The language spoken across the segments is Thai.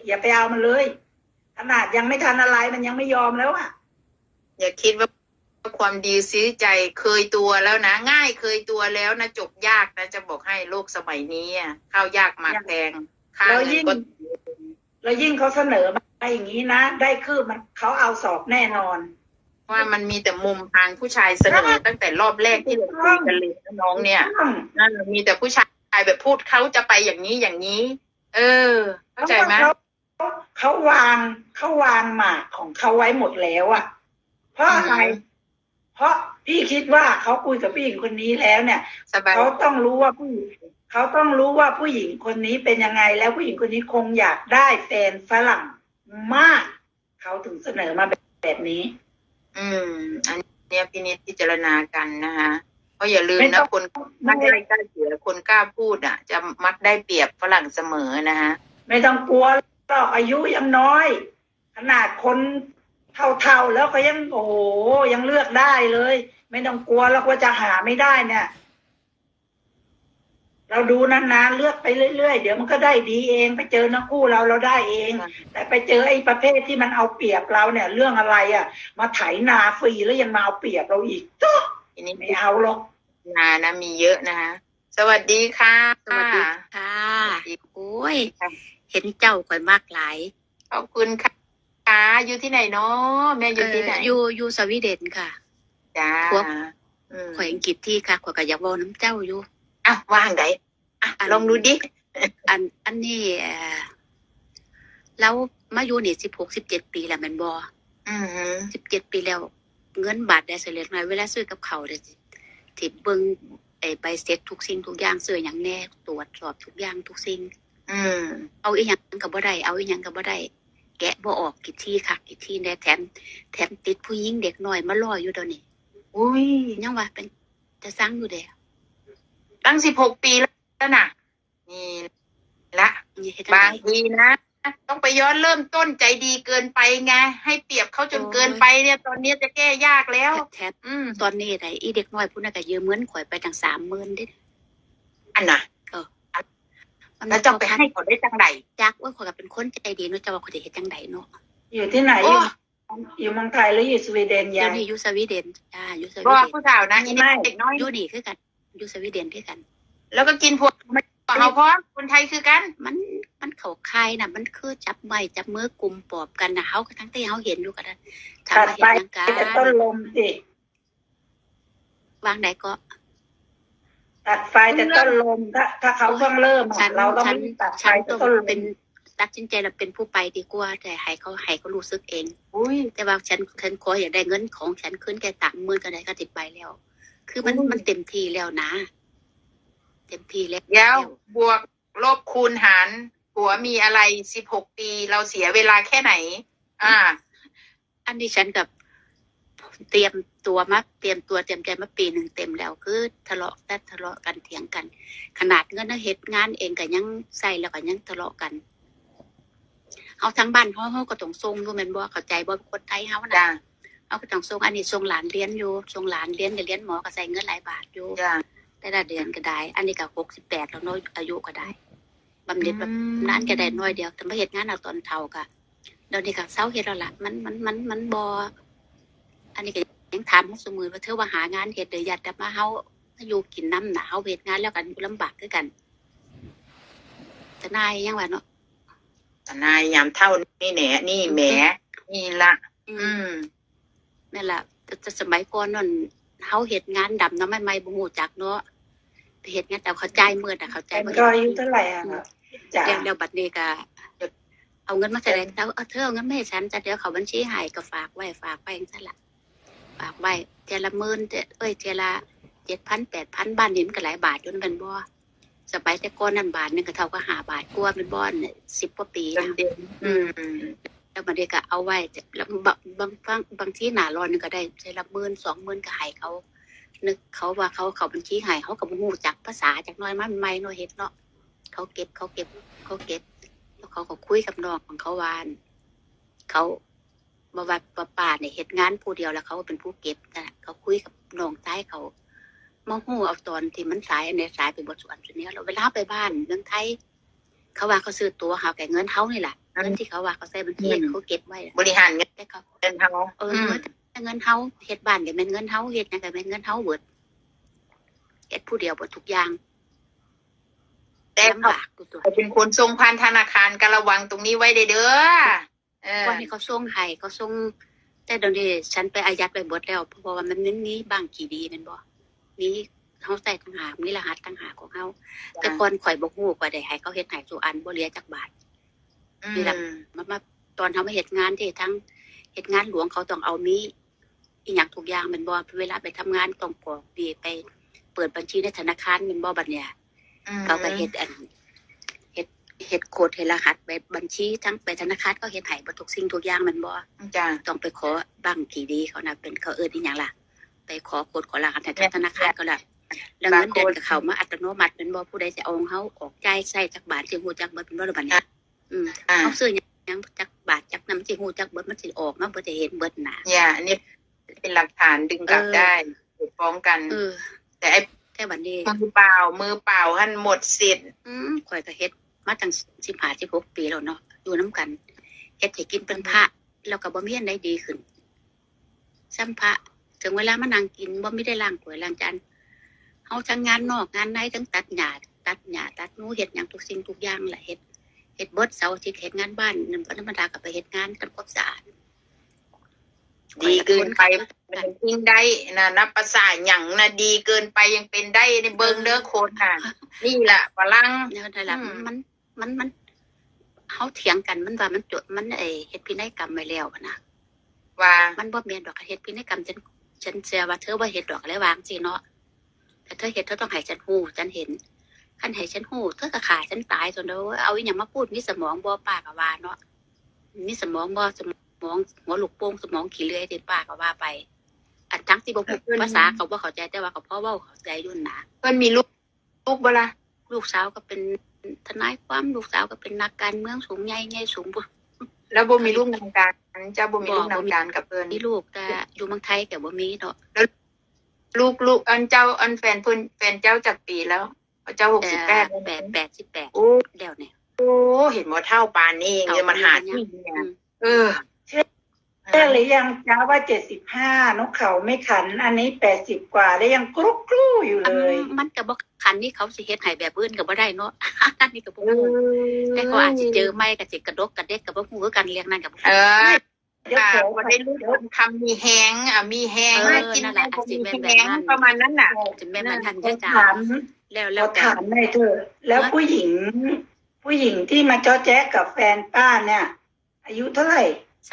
อย่าไปเอามันเลยขนาดยังไม่ทันอะไรมันยังไม่ยอมแล้วอ่ะอย่าคิดว่าความดีซื้อใจเคยตัวแล้วนะง่ายเคยตัวแล้วนะจบยากนะจะบอกให้โลกสมัยนี้ข้าวยากหมากแพงค่าแล้วเงินยิ่งก็แล้วยิ่งเขาเสนอมาอย่างนี้นะได้คืบมันเขาเอาสอบแน่นอนว่ามันมีแต่มุมทางผู้ชายเสนอตั้งแต่รอบแรกที่เราคุยกันเลยนะน้องเนี่ยนั่นมีแต่ผู้ชายแบบพูดเขาจะไปอย่างนี้อย่างนี้ เออ เข้าใจไหมเขาวางหมากของเขาไว้หมดแล้วอ่ะเพราะอะไรเพราะพี่คิดว่าเขาคุยกับผู้หญิงคนนี้แล้วเนี่ยสบายเขาต้องรู้ว่าผู้หญิงเขาต้องรู้ว่าผู้หญิงคนนี้เป็นยังไงแล้วผู้หญิงคนนี้คงอยากได้แฟนฝรั่งมากเขาถึงเสนอมาแบบนี้อันเนี้ยพินิจพิจารณากันนะคะเพราะอย่าลืมนะคนมักได้กล้าเสียคนกล้าพูดจะมักได้เปรียบฝรั่งเสมอนะคะไม่ต้องกลัวหรอกอายุยังน้อยขนาดคนเท่าๆแล้วก็ยังโอ้โหยังเลือกได้เลยไม่ต้องกลัวแล้วว่าจะหาไม่ได้เนี่ยเราดูนานๆเลือกไปเรื่อยๆเดี๋ยวมันก็ได้ดีเองไปเจอนักคู่เราได้เองแต่ไปเจอไอ้ประเภทที่มันเอาเปรียบเราเนี่ยเรื่องอะไรมาไถนาฟรีแล้วยังมาเอาเปรียบเราอีกทีนี้ไม่เอาหรอกนะมีเยอะนะคะสวัสดีค่ะสวัสดีค่ะโอ้ยเห็นเจ้าข่อยมากหลายขอบคุณค่ะอยู่ที่ไหนเนาะแม่อยู่ที่ไหนอยู่สวีเดนค่ะจ้าข่อยอังกฤษที่ค่ะข่อยก็อยากบอกน้ำเจ้าอยู่ว่างไหนลองดูดิอันนี้แล้วมาอยู่นี่16-17 ปีแล้วแม่นบ่17 ปีแล้วเงินบาทได้เสร็จหน่อยเวลาซื้อกับเขาเด้ที่เบิ่งใบเสร็จทุกสิ่งทุกอย่างซื้อหยังแน่ตรวจสอบทุกอย่างทุกสิ่งเอาอีหยังก็บ่ได้เอาอีหยังก็บ่ได้แกะบ่ออกกี่ที่ค่ะกี่ที่แน่แถมติดผู้หญิงเด็กน้อยมารออยู่เดี๋ยวนี้อุ้ยยังว่าเป็นจะสร้างอยู่เด้ตั้ง16 ปีแล้วน่ะนี่ละบางทีนะต้องไปย้อนเริ่มต้นใจดีเกินไปไงให้เปรียบเขาจนเกินไปเนี่ยตอนนี้จะแก้ยากแล้วตอนนี้ไหนอีเด็กน้อยผู้นั้นก็ยืมเงินข่อยไปตั้ง30,000ดิอันน่ะแล้วจะไปให้เขาได้จังใดจักว่าข่อยก็เป็นคนใจดีเนาะจะว่าข่อยจะเฮ็ดจังใดเนาะอยู่ที่ไหนอยู่เมืองไทยหรืออยู่สวีเดนยายอยู่สวีเดนอยู่สวีเดนผู้สาวนะเด็กน้อยอยู่นี่คือกันอยู่สวีเดนคือกันแล้วก็กินพวกเขาพร้อมคนไทยคือกันมันเขาคายน่ะมันคือจับไม้จับมือกลุ่มปอบกันนะเขาทั้งที่เขาเห็นอยู่กันทำมาเห็นทางการแต่ต้นลมสิวางไหนก็ตัดไฟแต่ต้นลมถ้าเขาเพิ่งเริ่มเราต้องตัดไฟต้นลมเป็นตัดสินใจเราเป็นผู้ไปดีกว่าแต่ให้เขารู้สึกเองแต่ว่าฉันขออยากได้เงินของฉันขึ้นแค่30,000ก็ได้ก็ติดไปแล้วคือมันเต็มที่แล้วนะเต็มที่แล้วบวกลบคูณหารหัวมีอะไร16 ปีเราเสียเวลาแค่ไหนอันนี้ฉันกับเตรียมใจมาปีหนึ่งเต็มแล้วคือทะเลาะกันเถียงกันขนาดเงินเหตุงานเองก็ยังใส่แล้วก็ยังทะเลาะกันเอาทั้งบ้านเขาก็ต้องส่งรู้แม่นบ่เข้าใจบ่คนไทยเฮานะเอาก็ต้องส่งอันนี้ส่งหลานเรียนอยู่ส่งหลานเรียนเรียนหมอก็ใส่เงินหลายบาทอยู่แต่ละเดือนก็ได้อันนี้ก็68แล้วน้อยอายุก็ได้บำเหน็จแบบนั้นก็ได้น้อยเดียวแต่มาเฮ็ดงานเอาตอนเฒ่าก็เดี๋ยวนี้ก็เซาเฮ็ดแล้วล่ะมันบ่อันนี้ก็ยังถามเฮาซุมื้อว่าเธอว่าหางานเฮ็ดหรืออยากจะมาเฮาอยู่กินน้ำหนาเฮาเฮ็ดงานแล้วกันลำบากคือกันจะนายยังว่าเนาะนายยามเท่านี่แหนนี่แหมนี่ละนั่นแหละจะสมัยก่อนนั่นเขาเฮ็ดงานดำเนาะไม่บ่ฮู้จักเนาะเฮ็ดงานแต่เขาจ่ายมื้อน่ะเขาจ่ายบ่ก็อายุเท่าไหร่จ้ะแล้วบัดนี้ก็เอาเงินมาแสดงแล้วเธอเอาเงินมาให้ฉันจะเดี๋ยวเขาบัญชีให้ก็ฝากไว้จังซั่นล่ะฝากไว้เทื่อละหมื่นเทื่อละ 7,000 8,000 บ้านนี้มันก็หลายบาทอยู่นั่นแม่นบ่สมัยแต่ก่อนนั่นบาทนึงก็เท่ากับ5 บาทกว่าเป็นบ่อน10 กว่าปีนะแล้วบัดนี้ก็เอาไว้แล้วบางทีหน้าร้อนนึงก็ได้ใช้ละ10,000 20,000ก็ให้เขานึกเขาว่าเขาบัญชีให้เขาก็บ่ฮู้จักภาษาจักหน่อยมาใหม่ๆเนาะเฮ็ดเนาะเขาเก็บแล้วเขาก็คุยกับน้องของเขาวานเขาบ่ว่าป้าเนี่ยเฮ็ดงานผู้เดียวแล้วเขาเป็นผู้เก็บนะเขาคุยกับน้องชายเขามาฮู้เอาตอนที่มันสายอันนี้สายไปบ่ส่วนนี้แล้วเวลาไปบ้านเมืองไทยเขาว่าเขาซื้อตั๋วหาแก่เงินเฮานี่แหละเงินที่เขาว่าเขาใส่บัญชีเขาเก็บไว้บริหารเงินแต่เขาเฮาแต่เงินเฮาเฮ็ดบ้านก็แม่นเงินเฮาเฮ็ดหยังก็แม่นเงินเฮาเบิดเฮ็ดผู้เดียวเบิดทุกอย่างแต่ลำเขาบากตัวเป็นคนส่งผ่านธนาคารก็ระวังตรงนี้ไว้เด้อก่อนที่เขาส่งให้เขาส่งแต่เดี๋ยวนี้ฉันไปอายัดไว้เบิดแล้วเพราะว่ามันมีบางกี่ดีแม่นบ่มีเฮาใส่ต่างหากมีรหัสต่างหากของเฮาแต่ก่อนข่อยบ่ฮู้ว่าได้ให้เขาเฮ็ดให้ทุกอันบ่เหลือจักบาทนี่ล่ะมาตอนเฮามาเฮ็ดงานที่ทั้งเฮ็ดงานหลวงเขาต้องเอามีอีหยังทุกอย่างแม่นบ่เวลาไปทำงานต้องกรอกดีไปเปิดบัญชีในธนาคารแม่นบ่บัดเนี่ยเขาก็เฮ็ดเฮ็ดโค้ดให้รหัสไปบัญชีทั้งไปธนาคารก็เฮ็ดให้บ่ทุกสิ่งทุกอย่างแม่นบ่จ้ะต้องไปขอบังกี่ดีเขานะเป็นเขาอีหยังล่ะไปขอโค้ดขอรหัสจากธนาคารก็ล่ะแล้วเงินเดือนก็เข้ามาอัตโนมัติเป็นบ่ผู้ใดจะเอาของเฮาออกจ่ายใช้จักบาทสิฮู้จักเบิดเป็นบ่ล่ะบัดนี้เฮาซื้อหยังจักบาทจักนำสิฮู้จักเบิดมันสิออกมาบ่ได้เห็นเบิดหน้าอันนี้เป็นหลักฐานดึงกลับได้ฟ้องกันแต่ไอ้แต่บัดนี้มือเปล่าหั่นหมดสิทธิ์ข่อยก็เฮ็ดมาตั้ง15 16ปีแล้วเนาะอยู่นํกันเฮ็ดให้กินเป็นพระแล้วก็บ่มีอันใดดีขึ้นซ้ำพระถึงเวลามานั่งกินบ่มีได้ล้างถ้วยล้างจานเฮาทั้งงานนอกงานในทั้งตัดหญ้าตัดหนูเฮ็ดหยังทุกสิ่งทุกอย่างแหละเฮ็ดเบิดเสาร์อาทิตย์เฮ็ดงานบ้านนั่นธรรมดาก็ไปเฮ็ดงานทำความสะอาดดีเกินไปมันจริงได้นะนับภาษาหยังนะดีเกินไปยังเป็นได้ในเบิ่งเด้อโคนค่ะนี่แหละฝรั่งนั่นแหละมันเฮาเถียงกันมันว่ามันจดมันเฮ็ดพินัยกรรมไว้แล้วนะว่ามันบ่แม่นดอกเฮ็ดพินัยกรรมฉันเชื่อว่าเธอบ่เฮ็ดดอกแล้ววางสิเนาะแต่เธอเฮ็ดเธอต้องให้ฉันฮู้ฉันเห็นคันให้ฉันฮู้เธอก็ฆ่าฉันตายซั่นเด้อเอาอีหยังมาพูดมีสมองบ่ป้าก็ว่าเนาะมีสมองบ่สมองหัวลูกโป่งสมองขี้เลื่อยที่ป้าก็ว่าไปอันทั้งที่บ่พูดภาษาเขาบ่เข้าใจแต่ว่าก็พอเว้าเข้าใจอยู่นะเพิ่นมีลูกบ่ล่ะลูกสาวก็เป็นทนายความลูกสาวก็เป็นนักการเมืองสูงใหญ่สูงแล้วบ่มีลูกนำการเจ้าบ่มีลูกนำการกับเพิ่นมีลูกแต่อยู่เมืองไทยก็บ่มีเนาะแล้วลูกอันเจ้าอันแฟนเพิ่นแฟนเจ้าจักปีแล้วเจ้า68 88 โอ้แล้วเนี่ยโอ้เห็นบ่เท่าปานนี้เงินมันหาที่เนี่ยใช่หรือยังจ้าว่า75นกเขาไม่ขันอันนี้80กว่าแล้วยังกรุ๊อยู่เลยมันก็บ่คันนี่เขาสิเฮ็ดให้แบบอื่นก็บ่ได้เนาะอันนี้ก็บ่ฮู้แต่เขาอาจสิเจอใหม่ก็สิกระดกกระเด็กก็บ่ฮู้คือกันเรียกนั่นก็บ่เดี๋ยวบ่ได้รู้คำมีแฮงมีแฮงกินนั่นแหละสิแม่นแบบนั้นประมาณนั้นน่ะสิแม่นมันทันจ้าแล้วถามได้เถอะแล้วผู้หญิงที่มาจ้อแจ๊กกับแฟนป้าเนี่ยอายุเท่าไหร่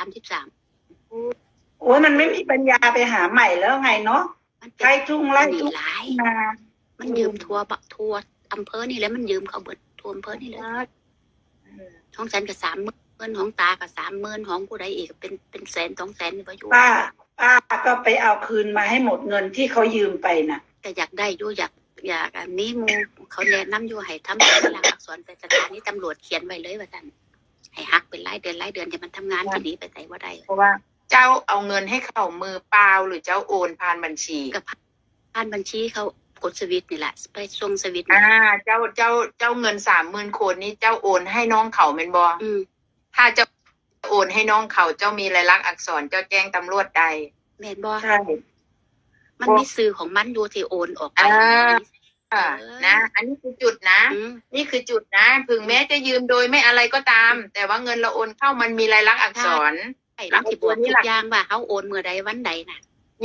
33 โอ้ยมันไม่มีปัญญาไปหาใหม่แล้วไงเนาะใครทุ่งไร่ทุ่งนามันยืมทัวอำเภอนี่แล้วมันยืมเขาเบิดทัวอำเภอนี่เลยของฉันก็30,000ของตาก็30,000ของผู้ใดอีกเป็นแสน2แสนบ่อยู่ป้าก็ไปเอาคืนมาให้หมดเงินที่เขายืมไปน่ะก็อยากได้อยู่อยากมีหมู่เขาแนะนำอยู่ให้ทำเป็นหลักอักษรเป็นสถานีตำรวจเขียนไว้เลยว่าซั่นให้ฮักเป็นรายเดือนอย่ามันทำงานที่นี้ไปไสบ่ได้เพราะว่าเจ้าเอาเงินให้เขามือเปล่าหรือเจ้าโอนผ่านบัญชีกับผ่านบัญชีเขากดสวิตนี่แหละไปส่งสวิตเจ้าเงิน30,000 คนนี้เจ้าโอนให้น้องเขาแม่นบ่ถ้าเจ้าโอนให้น้องเขาเจ้ามีลายลักษณ์อักษรเจ้าแจ้งตำรวจได้แม่นบ่ใช่มันมีสื่อของมันอยู่ที่โอนออกไปนะอันนี้คือจุดนะนี่คือจุดนะถึงแม้จะยืมโดยไม่อะไรก็ตามแต่ว่าเงินเราโอนเข้ามันมีลายลักษณ์อักษรแล้วที่บอกทุกอย่างว่าเขาโอนเมื่อใดวันใดน่ะ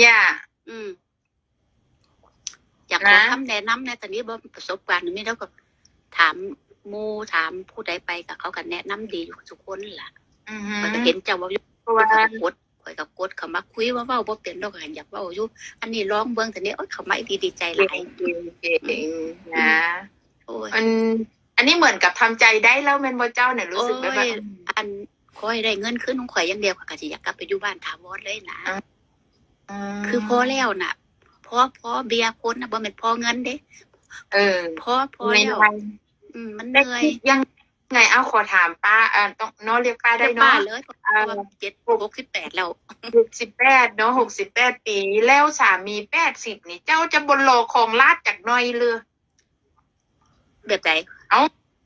อยากขอคำแนะนำในตอนนี้บ่ประสบการณ์นี่แล้วก็ถามหมู่ถามผู้ใดไปกับเขาก็แนะนำดีอยู่ทุกคนล่ะก็เห็นเจ้าว่าเพราะว่ากดข่อยก็กดเข้ามาคุยว่าเว้าบ่เป็นดอกอยากเว้าอยู่อันนี้ร้องเบิ่งแต่นี้เขามาดีใจหลายนะอันนี้เหมือนกับทำใจได้แล้วแม่นบ่เจ้าเนี่ยรู้สึกแบบอันขอให้ได้เงินคืนของข่อยอย่างเดียวก็สิอยากกลับไปอยู่บ้านถาวรเลยนะคือพอแล้วน่ะพอเบียร์คนน่ะบ่แม่นพอเงินเด้พอแล้วมันเหนื่อยยังไงเอาขอถามป้าต้องเนาะเรียกป้าได้เนาะเลย68แล้ว 68เนาะ68ปีแล้วสามี80นี่เจ้าจะบ่รอของลาดจากน้อยเลยแบบไหนเอ้า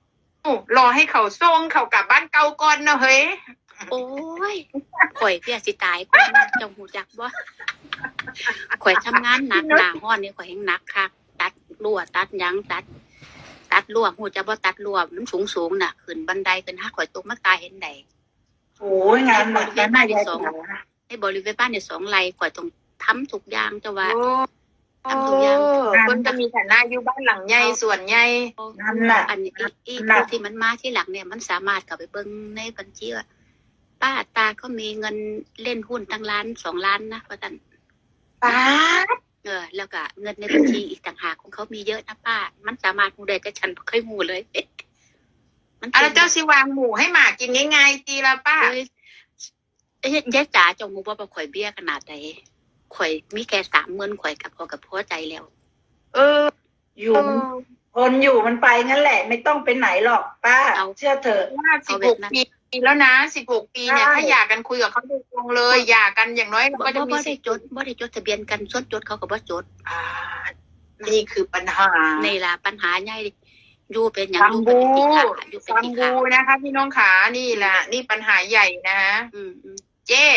รอให้เขาส่งเขากลับบ้านเก่าก่อนเนาะเฮ้ยโอ้ยข่อยเพียสิตายคนเจ้าหูจักบ่ข่อยทำงานหนักหน้าห้อนนี่ข่อยแห่งหนักคักตัดรั่วตัดหยังตัดรั่วหูจักบ่ตัดรั่วมันสูงน่ะขึ้นบันไดขึ้นหักข่อยตกมาตายเห็นได้โอ้ยงานหนักนะยายจ๋าในบริเวณบ้านเนี่ย2 ไร่ข่อยต้องทำทุกอย่างเจ้าว่าโอ้ทำทุกอย่างคนจะมีฐานะอยู่บ้านหลังใหญ่ส่วนใหญ่นั่นน่ะอันนี้อีกผู้ที่มันมาที่หลังเนี่ยมันสามารถเข้าไปเบิ่งในบัญชีว่าป้าตาเขามีเงินเล่นหุ้นตั้ง1-2 ล้านนะว่าซั่นป้าแล้วก็เงินในบัญชีอีกต่างหากของเขามีเยอะนะป้ามันสามารถฮู้ได้แต่ฉันบ่เคยฮู้เลย มันแล้วเจ้าสิวางหมูให้หมากินง่ายๆตีละป้าเอ้ยยายจ๋าเจ้าฮู้บ่ว่าข่อยเบี้ยขนาดใดข่อยมีแค่30,000ข่อยกับพอใจแล้วเอออยู่คนอยู่มันไปงั้นแหละ ไม่ต้องไปไหนหรอกป้า เชื่อเถอะว่า16 ปีแล้วนะ16 ปีเนี่ยใช่ถ้าหย่ากันคุยกับเขาโดยตรงเลยหย่ากันอย่างน้อยบ่ก็จะมีได้สิทธิ์บ่ได้จดทะเบียนกันส่วนจดเขาก็บ่จดนี่คือปัญหานี่ล่ะปัญหาใหญ่อยู่เป็นหยังซัมอยู่บูเป็นที่ขาอยู่เป็นซัมที่บูขานะคะพี่น้องขานี่แหละนี่ปัญหาใหญ่นะฮะอืมเจ้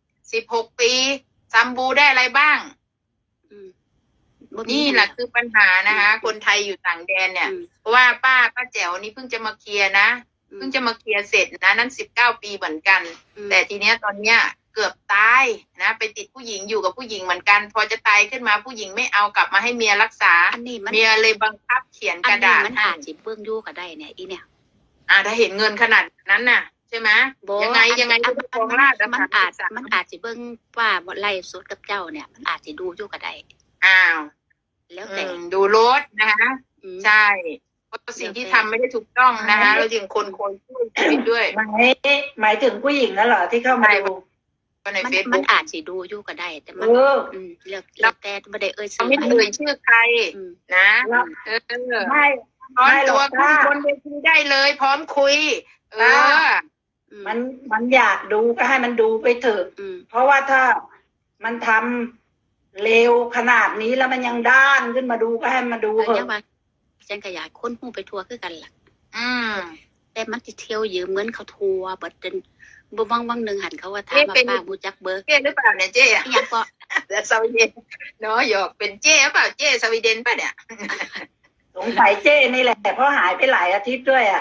16 ปีซัมบูได้อะไรบ้างบ่มีนี่แหละคือปัญหานะคะ คนไทยอยู่ต่างแดนเนี่ยอืมเพราะว่าป้าแจ๋วนี่เพิ่งจะมาเคลียร์นะเพิ่งจะมาเคลียร์เสร็จนะนั้น19 ปีเหมือนกัน แต่ทีเนี้ยตอนเนี้ยเกือบตายนะไปติดผู้หญิงอยู่กับผู้หญิงเหมือนกัน พอจะตายขึ้นมาผู้หญิงไม่เอากลับมาให้เมียรักษาอันนี้มันเมียเลยบังคับเขียนกระดาษมันให้อาจสิเบิ่งอยู่ก็ได้เนี่ยอีเนี่ยถ้าเห็นเงินขนาดนั้นน่ะ ใช่ไหมบ่ยังไงก็จะฟ้องราชมันอาจสิเบิ่งว่าบ่ไล่สดกับเจ้าเนี่ย มันอาจสิดูอยู่ก็ได้อ้าวแล้วแต่ดูรถนะคะอืมใช่เพราะสิ่งที่ทำไม่ได้ถูกต้องนะคะแล้วยังคนช่วยชีวิตด้วยหมายถึงผู้หญิงนั่นเหรอที่เข้ามาดูก็ในมันเฟซมับุ๊นกอาจสิดูอยู่ก็ได้ แต่เอมันอแล้วแต่บ่ได้เอ่ยเขาชื่อไม่ได้เอ่ยชื่อใครอืมนะแล้วเออไม่พร้อมไม่หรตัอวกขึ้นป้าบนเวทีได้เลย พร้อมคุย เออมันอยากดูก็ให้มันดูไปเถอะอืมเพราะว่าถ้ามันทำเลวขนาดนี้แล้วมันยังด้านขึ้นมาดูก็ให้มาดูก็เถยังอะว่าฉันก็อยากคนฮู้ไปทั่วคือกันล่ะอืมแต่มันสิเที่ยวยืมเงินเขาทัวบัดจนบ่วังหนึงหันเขาว่าถามว่าป้ารู้จักเบอร์เจ้หรือเปล่าเนี่ยเจ้อะอีหยังก็แล้วสวีเดนเนาะหยอกเป็นเจ้หรือเปล่าเจ้สวีเดนป่ะเนี่ยสงสัยเจ้นี่แหละเพราะหายไปหลายอาทิตย์ด้วยอ่ะ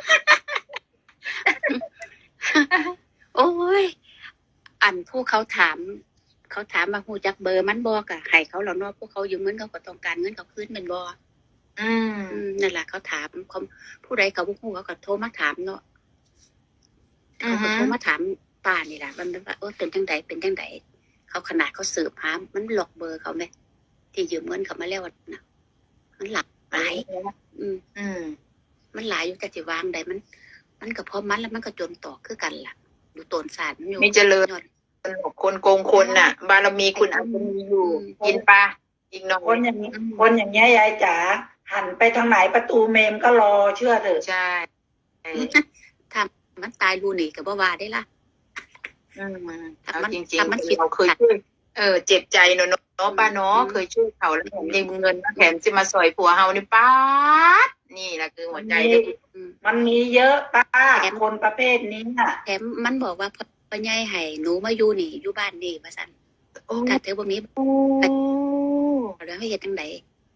โอ้ย อันผู้เขาถามว่าฮู้จักเบอร์มันบ่ก็ให้เขาแล้วเนาะพวกเขายืมเงินเขาก็ต้องการเงินเขาคืนแม่นบ่อืมนั่นล่ะเขาถามเขาผู้ใดเขาบ่ฮู้เขาก็โทรมาถามเนาะเขาก็โทรมาถามป้านี่ล่ะมันว่าเป็นจังไดเขาขนาดเขาสืบหามันหลอกเบอร์เขาแม่ที่ยืมเงินเขามาแล้วน่ะมันหลาย อืมอืมมันหลายอยู่แต่สิวางได้มันก็พอมันแล้วมันก็จนต่อคือกันล่ะอยู่ต้นศาสตร์มันอยู่มีเจริญยอดสนุกคนโกงคนน่ะ บารมีคุณอาจจะมีอยู่ กินปลาอีกหน่อยคนอย่างนี้คนอย่างเงี้ยยายจ๋าหันไปทางไหนประตูเมมก็รอเชื่อเถอะใช่ถ้ามันตายรูนี่ก็บ่ว่าได้ล่ะเอาจริงถ้ามันคิดๆเราเคยช่วยเจ็บใจเนาะป้าเนาะเคยช่วยเขาแล้วผมยังเงินแถมจะมาสอยผัวเฮานี่ป้าดนี่แหละคือหัวใจเลยมันมีเยอะป้าคนประเภทนี้น่ะแถมมันบอกว่าพ่อใหญ่ให้หนูมาอยู่นี่อยู่บ้านนี่ว่าซั่นถ้าเธอบ่มีแล้วให้เฮ็ดจังได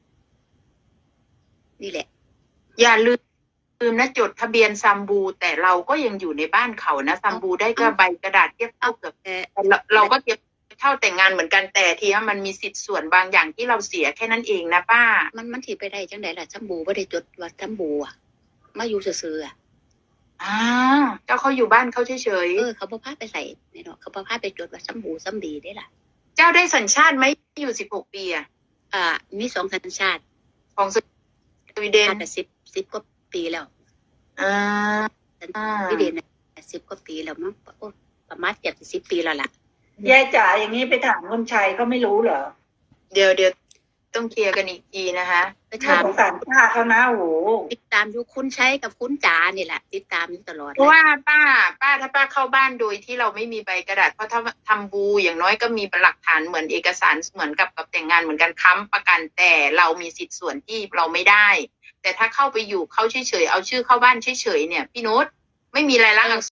นี่แหละอย่าลืมนะจดทะเบียนซัมบู แต่เราก็ยังอยู่ในบ้านเขานะซัมบูได้ก็ใบกระดาษเทียบเท่ากับแต่เราก็เทียบเท่าแต่งงานเหมือนกันแต่ทีว่ามันมีสิทธิ์ส่วนบางอย่างที่เราเสียแค่นั้นเองนะป้ามันสิไปได้จังได๋ล่ะจำบูบ่ได้จดว่าจำบูอ่ะมาอยู่ซื่อๆอ่ะเจ้าเขาอยู่บ้านเขาเฉยเขาบ่พาไปใส่แน่เนาะเขาบ่พาไปจดว่าจำบูจำดีได้ล่ะๆเจ้าได้สัญชาติไหมอยู่16 ปีอะมี2สัญชาติของสวีเดนแต่10กว่าปีแล้วอ่าสวีเดนน่ะ10กว่าปีแล้วมั้งโอ้ประมาณ70ปีแล้วล่ะยายจ๋าอย่างนี้ไปถามคนชัยเขาไม่รู้เหรอเดี๋ยวต้องเคลียร์กันอีกทีนะคะไปน่าถามสงสารป้าเขานะโอ้โหติดตามอยู่คุณใช้กับคุณจ๋านี่แหละติดตามอยู่ตลอดเพราะว่าป้าถ้าป้าเข้าบ้านโดยที่เราไม่มีใบกระดาษเพราะถ้าทำบูอย่างน้อยก็มีหลักฐานเหมือนเอกสารเหมือนกับแต่งงานเหมือนกันค้ำประกันแต่เรามีสิทธิ์ส่วนที่เราไม่ได้แต่ถ้าเข้าไปอยู่เขาเฉยๆเอาชื่อเข้าบ้านเฉยๆเนี่ยพี่นุชไม่มีรายลักษณ์อักษร